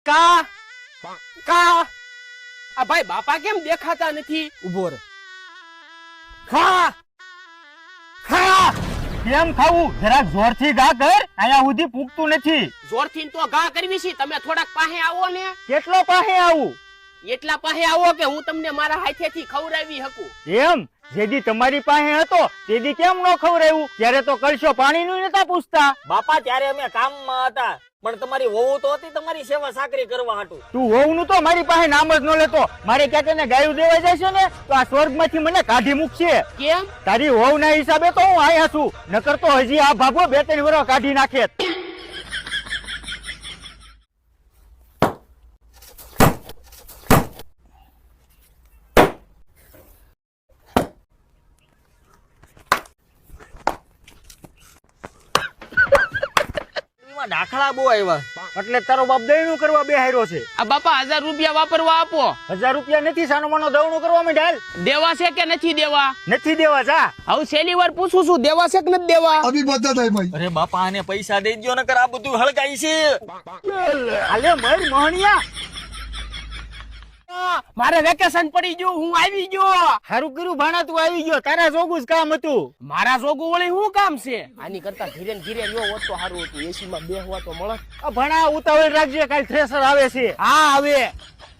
કા કા આ ભાઈ બાપા કેમ દેખાતા નથી? ઉભો રહે. ખા ખા. કેમ ખાવું? જરાક જોરથી ગા કર, અહીંયા સુધી પૂગતું નથી. જોરથી તો ઘા કરવી છે, તમે થોડાક પાસે આવો ને. કેટલો પાસે આવું? એટલા પાસે આવો કે હું તમને મારા હાથેથી ખવડાવી શકું. એમ જેદી તમારી પાસે હતો તેદી કેમ ન ખવડાવ્યું? ત્યારે તો કલશો પાણીનું નતા પૂછતા. બાપા ત્યારે અમે કામમાં હતા, પણ તમારી વહુ તો હતી તમારી સેવા સાકરી કરવા હાટુ. તું વહુનું તો મારી પાસે નામ જ ન લેતો. મારે ક્યાંક એને ગાયું દેવા જશે ને તો આ સ્વર્ગમાંથી મને કાઢી મૂકશે. કેમ? તારી વહુના હિસાબે તો હું આયા છું, નકર તો હજી આ ભાગો 2-3 વર્ષ કાઢી નાખે. એમાં દાખલા બહુ આવ્યા. એટલે તારો બાપ દયણું કરવા બેહાર્યો છે. આ બાપા 1000 રૂપિયા વાપરવા આપો. 1000 રૂપિયા નથી, સાનો માનો દવણું કરવા માંડ્યા. દેવા છે કે નથી દેવા? નથી દેવા. જા હવે છેલ્લી વાર પૂછું છું, દેવા છે કે નથી દેવા? अभी बता दे भाई। અરે બાપા આને પૈસા દઈ દ્યો નકર આ બધું હળગાઈ છે. હાલે મર મોહણિયા. મારે વેકેશન પડી ગયું, હું આવી ગયો. હારું કર્યું ભાણા, તું આવી ગયો. તારા જોગું જ કામ હતું. મારા જોગું વળી શું કામ છે? આની કરતા ધીરે ને ધીરે લ્યો હોત તો સારું હતું. એસી માં બેહવા તો મળે. આ ભાણા ઉતાવળ રાખજે, કાલ થ્રેસર આવે છે. હા હવે